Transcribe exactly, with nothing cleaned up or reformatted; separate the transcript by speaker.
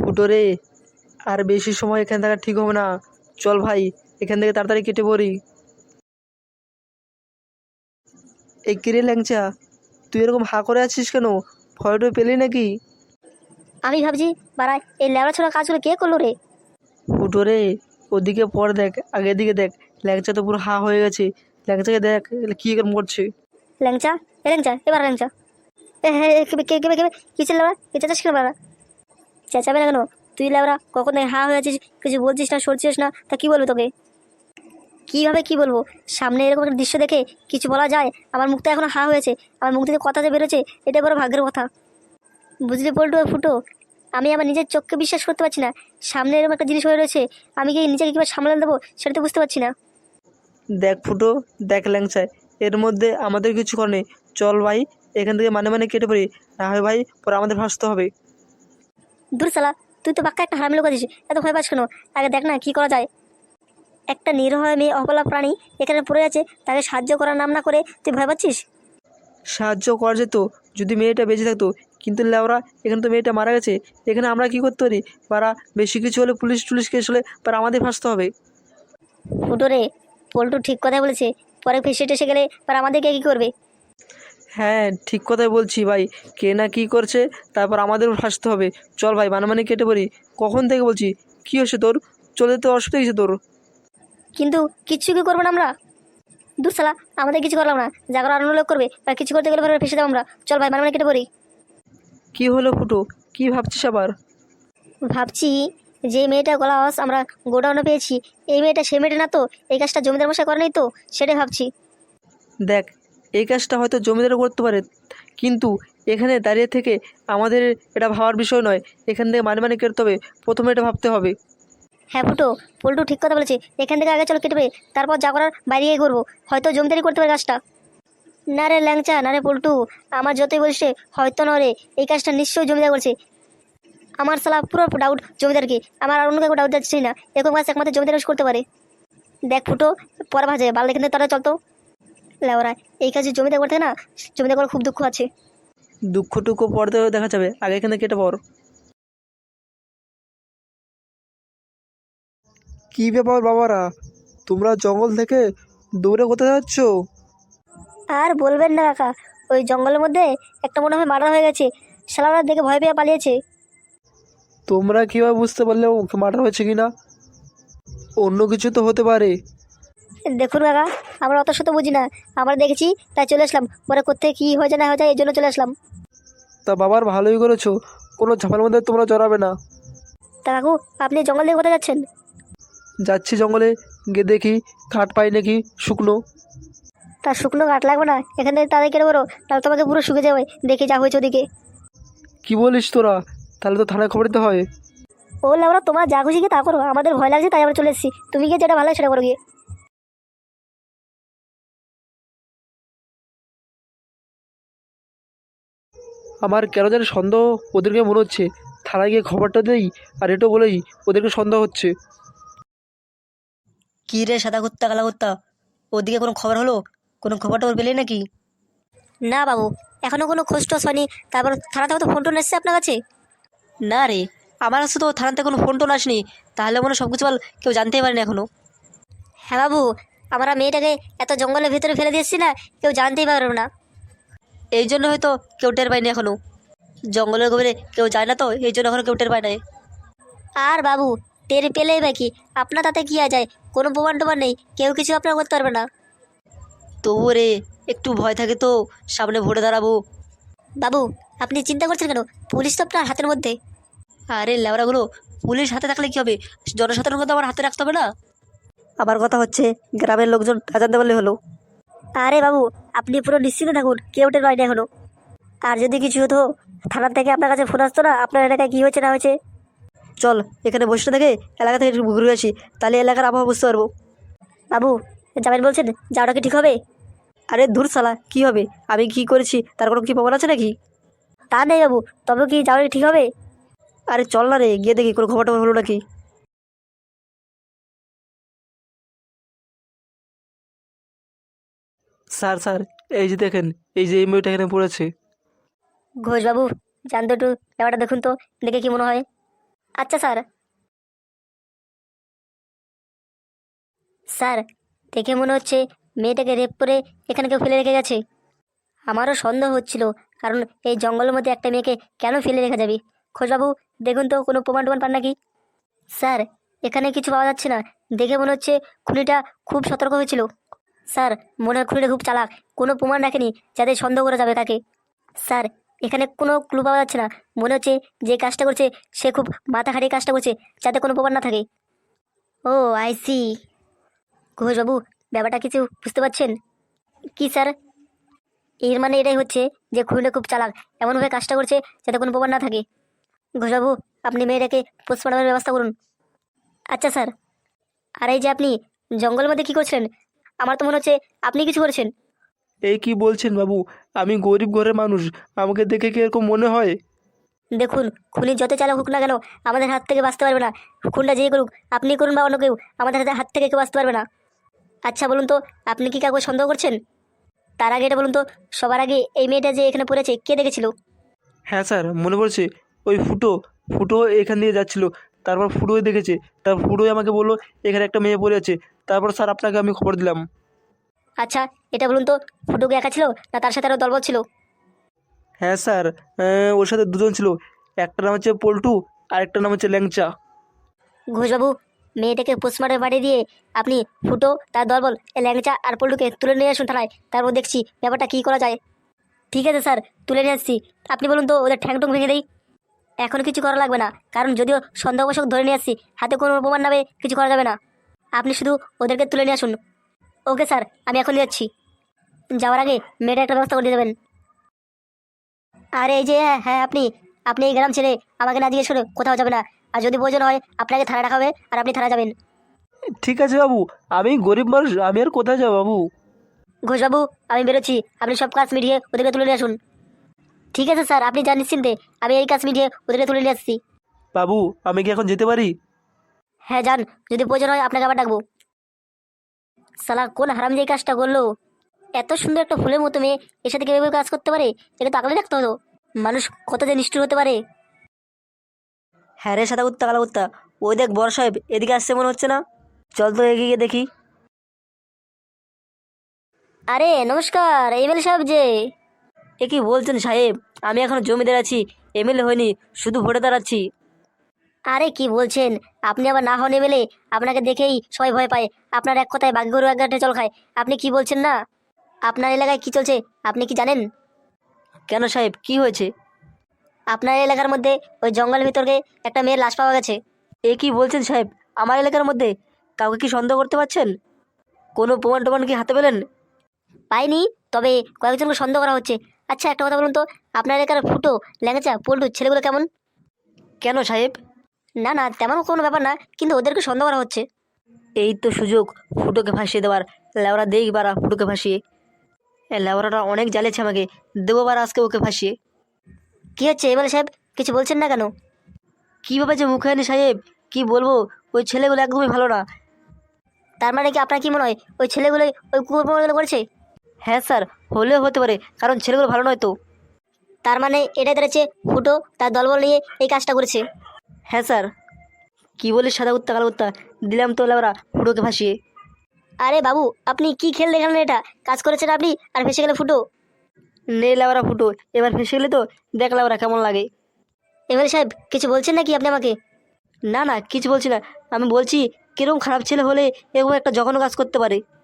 Speaker 1: ফুটো রে, আর বেশি সময় এখানে থাকা ঠিক হবে না। চল ভাই, এখান থেকে তাড়াতাড়ি কেটে পড়ি। এই কিরে ল্যাংচা, তুই এরকম হা করে আছিস কেন? ভয়টা পেলি নাকি?
Speaker 2: আমি ভাবছি বাড়া এই ল্যাবড়া ছোড়া কাজগুলো কে করলো রে?
Speaker 1: ফুটো রে, ওদিকে পর দেখ, আগের দিকে দেখ। ল্যাংচা তো পুরো হা হয়ে গেছে। ল্যাংচাকে দেখ কি এরকম করছে।
Speaker 2: ল্যাংচা, এ ল্যাংচা, এবার ল্যাংচা, এ হ্যাঁ, কেবে কে কেবে কেবে কিসের ল্যাবড়া? এ চেঁচাস কেন বাড়া? চেঁচাবে না কেন? তুই ল্যাবড়া কখন থেকে হা হয়ে আছিস, কিছু বলছিস না, সরছিস না, তা কি বলবো তোকে? কীভাবে কি বলবো? সামনে এরকম একটা দৃশ্য দেখে কিছু বলা যায়? আমার মুখটা এখনো হা হয়েছে, আমার মুখ থেকে কথা যে বেরোচ্ছে, এটা বড় ভাগ্যের কথা। বুঝলি পল্টু আর ফুটো, আমি আমার নিজের চোখকে বিশ্বাস করতে পারছি না। সামনে এরকম একটা জিনিস হয়ে রয়েছে, আমি কি নিজেকে কীভাবে সামলে দেবো সেটা তো বুঝতে পারছি না।
Speaker 1: দেখ ফুটো, দেখ ল্যাংচায়, এর মধ্যে আমাদের কিছু করে নেই। চল ভাই, এখান থেকে মানে মানে কেটে পড়ি, না হয় ভাই পরে আমাদের ভাসতে হবে।
Speaker 2: দূর সালা, তুই তো বাক্কা একটা হারামি লোক আছিস, এত ভয় পাস কেন? আগে দেখ না কি করা যায়। একটা নিরীহ মেয়ে, অবলা প্রাণী এখানে পড়ে আছে, তাকে সাহায্য করার নাম না করে তুই ভয় পাচ্ছিস?
Speaker 1: সাহায্য করা যেত যদি মেয়েটা বেঁচে থাকতো, কিন্তু লেওরা, এখানে তো মেয়েটা মারা গেছে। এখানে আমরা কি করতে পারি? পারা বেশি কিছু হলে পুলিশ টুলিশ কেস হলে পারা আমাদের ভাসতে হবে।
Speaker 2: ফুটো রে, পল্টু ঠিক কথাই বলেছে, পরে ফেসে টেসে গেলে পর আমাদেরকে কি করবে?
Speaker 1: হ্যাঁ, ঠিক কথাই বলছি ভাই। কে না কি করছে, তারপর আমাদেরও ভাসতে হবে। চল ভাই, মানামানি কেটে পড়ি। কখন থেকে বলছি, কি হয়েছে তোর? চলে তো অসুবিধা হয়েছে তোর?
Speaker 2: কিন্তু কিচ্ছু কি করবো না আমরা? দূর সালা, আমাদের কিছু করলাম না, যা করার অন্য লোক করবে, আর কিছু করতে গেলে পরে ফেসে যাবো আমরা। চল ভাই, মানে কেটে পড়ি।
Speaker 1: কি হলো ফুটো, কি ভাবছিস আবার?
Speaker 2: ভাবছি যে মেয়েটা গলা আওয়াজ আমরা গোডাউনে পেয়েছি, এই মেয়েটা সে মেয়েটা না তো? এই কাজটা জমিদার মশাই করে নাই তো? সেটাই ভাবছি।
Speaker 1: দেখ, এই কাজটা হয়তো জমিদারও করতে পারে, কিন্তু এখানে দাঁড়িয়ে থেকে আমাদের এটা ভাবার বিষয় নয়। এখান থেকে মানে মানে কেটে হবে, প্রথমে এটা ভাবতে হবে।
Speaker 2: হ্যাঁ ফুটো, পল্টু ঠিক কথা বলেছে, এখান থেকে আগে চলো কেটে পড়ি, তারপর যা করার বাইরে গিয়ে করবো। হয়তো জমিদারি করতে পারে কাজটা। না রে ল্যাংচা, না রে পল্টু, আমার যতই বলিস রে, হয়তো না রে, এই কাজটা নিশ্চয়ই জমিদার করছে। আমার সালা পুরো ডাউট জমিদারকে, আমার আর অন্য কাউকে ডাউট যাচ্ছে না। এরকম কাজ একমাত্র জমিদার করতে পারে। দেখ ফুটো, পরে ভাজে বাল এখান থেকে তারা চলতো। লেওরা, এই কাজে জমিদার করতে না, জমিদার করে খুব দুঃখ আছে।
Speaker 1: দুঃখটুকু পড়তে দেখা যাবে, আগে এখানে কেটে পড়।
Speaker 3: কি ব্যাপার বাবারা, তোমরা জঙ্গল থেকে দৌড়ে কোথায় যাচ্ছ?
Speaker 2: আর বলবেন না কাকা, ওই জঙ্গলের মধ্যে একটা মনে হয় মার্ডার হয়ে গেছে, শালারা দেখে ভয় পেয়ে পালিয়েছে।
Speaker 3: তোমরা কীভাবে বুঝতে পারলে ওকে মার্ডার হয়েছে কি না? অন্য কিছু তো হতে পারে।
Speaker 2: দেখুন কাকা, আমরা অত শত বুঝি না, আমরা দেখেছি তাই চলে আসলাম, পরে কোথায় কী হয়ে যায় না হয়ে যায় এই জন্য চলে আসলাম।
Speaker 3: তা বাবার ভালোই করেছো, কোনো ঝামেলার মধ্যে তোমরা জড়াবে না।
Speaker 2: তা কাকু, আপনি জঙ্গল থেকে কোথায় যাচ্ছেন?
Speaker 3: যাচ্ছি জঙ্গলে, গিয়ে দেখি কাঠ পাই নাকি শুকনো।
Speaker 2: তার শুকনো কাঠ লাগবে না, এখান থেকে তাদের কেটে বড়ো, তাহলে তোমাকে পুরো শুকে যাবে, দেখে যা হয়েছে ওদিকে।
Speaker 3: কি বলিস তোরা? তাহলে তো থানায় খবর দিতে হয়।
Speaker 2: ও লেওরা, তোমার যা খুশি গিয়ে তা করো, আমাদের ভয় লাগছে তাই আমরা চলে এসেছি, তুমি গিয়ে যেটা ভালো লাগে সেটা করো গিয়ে।
Speaker 3: আমার কেন জানি সন্দেহ ওদেরকে মনে হচ্ছে। থানায় গিয়ে খবরটা দেই, আর এটাও বলেই ওদেরকে সন্দেহ হচ্ছে।
Speaker 4: কী রে সাদা কুত্তা কালা কুত্তা, ওদিকে কোনো খবর হলো? কোনো খবর টবর পেলে নাকি?
Speaker 2: না বাবু, এখনো কোনো খোঁজ টোজ হয়নি। তারপর থানা থেকে তো ফোন টোন এসছে আপনার কাছে?
Speaker 4: না রে, আমার কাছে তো থানাতে কোনো ফোন টোন আসেনি। তাহলে মনে হয় সব কিছু বল কেউ জানতেই পারেনি এখনো।
Speaker 2: হ্যাঁ বাবু, আমরা মেয়েটাকে এত জঙ্গলের ভিতরে ফেলে দিয়েছি না, কেউ জানতেই পারবে না।
Speaker 4: এই জন্য হয়তো কেউ টের পায়নি এখনো। জঙ্গলের গভীরে কেউ যায় না তো, এই জন্য এখনো কেউ টের পায় নাই।
Speaker 2: আর বাবু, টের পেলেই বা কি, আপনার তাতে কি আর যায়? কোনো প্রমাণ টমাণ নেই, কেউ কিছু আপনার করতে পারবে না।
Speaker 4: তবু রে, একটু ভয় থাকে তো, সামনে ভোটে দাঁড়াবো।
Speaker 2: বাবু, আপনি চিন্তা করছেন কেন? পুলিশ তো আপনার হাতের মধ্যে।
Speaker 4: আরে ল্যাবড়াগুলো, পুলিশ হাতে থাকলে কী হবে? জনসাধারণকে তো আমার হাতে রাখতে হবে না?
Speaker 1: আমার কথা হচ্ছে, গ্রামের লোকজন না জানতে পারলে হলো।
Speaker 2: আরে বাবু, আপনি পুরো নিশ্চিন্ত থাকুন, কেউ টের পায়নি এখনো। আর যদি কিছু হতো, থানার থেকে আপনার কাছে ফোন আসতো না আপনার এলাকায় কী হয়েছে না হয়েছে?
Speaker 1: চল, এখানে বসে না থেকে এলাকা থেকে একটু ঘুরে আসি, তাহলে এলাকার আবহাওয়া বুঝতে পারবো।
Speaker 2: বাবু, যাবেন বলছেন, যাওয়াটা কি ঠিক হবে?
Speaker 1: আরে ধুর শালা, কি হবে? আমি কি করেছি তার কোনো কি প্রমাণ আছে নাকি?
Speaker 2: তা নেই বাবু, তবে কি যাওয়াটা ঠিক হবে?
Speaker 1: আরে চল না রে, গিয়ে দেখি কোনো খবর টবর হলো নাকি। স্যার স্যার, এই যে দেখেন, এই যে এই মেয়েটা এখানে পড়েছে।
Speaker 2: ঘোষবাবু, জান তো একটু ব্যাপারটা দেখুন তো, দেখে কি মনে হয়? আচ্ছা স্যার। স্যার, দেখে মনে হচ্ছে মেয়েটাকে রেপ করে এখানে কেউ ফেলে রেখে গেছে। আমারও সন্দেহ হচ্ছিল, কারণ এই জঙ্গলের মধ্যে একটা মেয়েকে কেন ফেলে রেখে যাবি। খোঁজবাবু, দেখুন তো কোনো প্রমাণ টমাণ পান নাকি। স্যার, এখানে কিছু পাওয়া যাচ্ছে না। দেখে মনে হচ্ছে খুনিটা খুব সতর্ক হয়েছিল। স্যার, মনে হয় খুনিটা খুব চালাক, কোনো প্রমাণ রাখেনি যাতে সন্দেহ করা যাবে তাকে। স্যার, এখানে কোনো ক্লু পাওয়া যাচ্ছে না। মনে হচ্ছে যে কাজটা করছে সে খুব মাথা খাটিয়ে কাজটা করছে, যাতে কোনো প্রমাণ না থাকে। ও আই সি। ঘোষবাবু, ব্যাপারটা কিছু বুঝতে পারছেন কি স্যার? এর মানে এটাই হচ্ছে যে খুনিটা খুব চালাক, এমনভাবে কাজটা করছে যাতে কোনো প্রমাণ না থাকে। ঘোষবাবু, আপনি মেয়েটাকে পোস্টমর্টমের ব্যবস্থা করুন। আচ্ছা স্যার। আর এই যে আপনি জঙ্গলের মধ্যে কী করছিলেন? আমার তো মনে হচ্ছে আপনি কিছু করেছেন।
Speaker 3: এই কি বলছেন বাবু? আমি গরিব ঘরের মানুষ, আমাকে দেখে কি এরকম মনে হয়?
Speaker 2: দেখুন, খুনি যত চালাক হোক না কেন, আমাদের হাত থেকে বাঁচতে পারবে না। খুনটা যেই করুক, আপনি করুন বা অন্য কেউ, আমাদের হাতে হাত থেকে কেউ বাঁচতে পারবে না। আচ্ছা বলুন তো, আপনি কি কাউকে সন্দেহ করছেন? তার আগে এটা বলুন তো, সবার আগে এই মেয়েটা যে এখানে পড়েছে কে দেখেছিল?
Speaker 3: হ্যাঁ স্যার, মনে পড়ছে। ওই ফুটো ফুটো এখান দিয়ে যাচ্ছিল, তারপর ফুটোই দেখেছে। তারপর ফুটোই আমাকে বললো এখানে একটা মেয়ে পড়ে আছে। তারপর স্যার আপনাকে আমি খবর দিলাম।
Speaker 2: আচ্ছা, এটা বলুন তো, ফুটুকে একা ছিল না তার সাথে আরও দলবল ছিল?
Speaker 3: হ্যাঁ স্যার, আহ, ওর সাথে দুজন ছিল। একটা নাম হচ্ছে পল্টু, আর একটা নাম হচ্ছে ল্যাংচা।
Speaker 2: ঘোষবাবু, মেয়েটাকে পোস্টমর্টমে পাঠিয়ে দিয়ে আপনি ফুটো, তার দলবল, এই ল্যাংচা আর পল্টুকে তুলে নিয়ে আসুন থানায়। তারপর দেখছি ব্যাপারটা কী করা যায়। ঠিক আছে স্যার, তুলে নিয়ে আসছি। আপনি বলুন তো, ওদের ঠ্যাং টুং ভেঙে দেই? এখন কিছু করা লাগবে না, কারণ যদিও সন্দেহবশক ধরে নিয়ে আসছি, হাতে কোনো প্রমাণ নামে কিছু করা যাবে না। আপনি শুধু ওদেরকে তুলে নিয়ে আসুন। ওকে স্যার, আমি এখন যাচ্ছি। যাওয়ার আগে মেয়েটা একটা ব্যবস্থা করে দিয়ে দেবেন। আর এই যে, হ্যাঁ হ্যাঁ, আপনি আপনি এই গ্রাম ছেড়ে আমাকে না জিজ্ঞেস করে কোথাও যাবে না। আর যদি প্রয়োজন হয় আপনাকে থানায় রাখা হবে, আর আপনি থানা যাবেন।
Speaker 3: ঠিক আছে বাবু, আমি গরিব মানুষ, আমি আর কোথায় যাবো বাবু?
Speaker 2: ঘোষবাবু, আমি বেরোচ্ছি, আপনি সব কাজ মিটিয়ে ওদেরকে তুলে নিয়ে আসুন। ঠিক আছে স্যার, আপনি যান নিশ্চিন্তে, আমি এই কাজ মিটিয়ে ওদেরকে তুলে নিয়ে আসছি।
Speaker 3: বাবু, আমি কি এখন যেতে পারি?
Speaker 2: হ্যাঁ যান, যদি প্রয়োজন হয় আপনাকে আবার ডাকবো। সালা কোন হারাম যে এই কাজটা করলো? এত সুন্দর একটা ফুলের মতো মেয়ে এর সাথে কেউ কাজ করতে পারে? এটা তো আগলে রাখতে হতো। মানুষ কত যে নিষ্ঠুর হতে পারে।
Speaker 4: হ্যাঁ রে সাদা কুত্তা কালা কুত্তা, ওই দেখ বড় সাহেব এদিকে আসছে মনে হচ্ছে না? চল তো এগিয়ে গিয়ে দেখি।
Speaker 2: আরে নমস্কার, এমএলএ সাহেব যে।
Speaker 4: এ কি বলছেন সাহেব? আমি এখনো জমিদার আছি, এমএলএ হয়নি, শুধু ভোটে দাঁড়াচ্ছি।
Speaker 2: আরে কি বলছেন? আপনি আবার না হন এমএলএ? আপনাকে দেখেই সবাই ভয় পায়। আপনার এক কথায় বাঘ গরু এক ঘাটে জল খায়। আপনি কি বলছেন না? আপনার এলাকায় কি চলছে আপনি কি জানেন?
Speaker 4: কেন সাহেব, কি হয়েছে?
Speaker 2: আপনার এলাকার মধ্যে ওই জঙ্গলের ভিতরে একটা মেয়ের লাশ পাওয়া গেছে।
Speaker 4: এ কি বলছেন সাহেব? আমার এলাকার মধ্যে কাউকে কি সন্দেহ করতে পারছেন? কোনো প্রমাণ টমাণ কি হাতে পেলেন?
Speaker 2: পাইনি, তবে কয়েকজনকে সন্দেহ করা হচ্ছে। আচ্ছা একটা কথা বলুন তো, আপনার এলাকার ফুটো, ল্যাংচা, পল্টু ছেলেগুলো কেমন?
Speaker 4: কেন সাহেব?
Speaker 2: না না, তেমন কোনো ব্যাপার না, কিন্তু ওদেরকে সন্দেহ করা হচ্ছে।
Speaker 4: এই তো সুযোগ ফুটোকে ভাসিয়ে দেওয়ার। লেওরা দেই বারা ফুটোকে ভাসিয়ে। এ লেওরাটা অনেক জ্বালেছে আমাকে, দেবো বার আজকে ওকে ভাসিয়ে।
Speaker 2: কি হচ্ছে এমএলএ সাহেব, কিছু বলছেন না কেন?
Speaker 4: কীভাবে যে মুখে আনি সাহেব, কি বলবো? ওই ছেলেগুলো একদমই ভালো না।
Speaker 2: তার মানে কি আপনার কি মনে হয় ওই ছেলেগুলোই ওই কুকুরগুলো করেছে?
Speaker 4: হ্যাঁ স্যার, হলেও হতে পারে, কারণ ছেলেগুলো ভালো নয় তো।
Speaker 2: তার মানে এটাই দাঁড়াচ্ছে ফুটো তার দলবল নিয়ে এই কাজটা করেছে।
Speaker 4: হ্যাঁ স্যার। কি বলিস সাদা কুত্তা কালো কুত্তা, দিলাম তো লেওরা ফুটোকে ভাসিয়ে।
Speaker 2: আরে বাবু, আপনি কি খেল দেখালেন? এটা কাজ করেছেন আপনি, আর ভেসে গেলে ফুটো।
Speaker 4: নে লেওরা ফুটো, এবার ফেসে গেলে তো দেখ লেওরা কেমন লাগে।
Speaker 2: এমএলএ সাহেব, কিছু বলছেন নাকি আপনি আমাকে?
Speaker 4: না না, কিছু বলছি না, আমি বলছি কিরকম খারাপ ছেলে হলে এরকম একটা জঘন্য কাজ করতে পারে।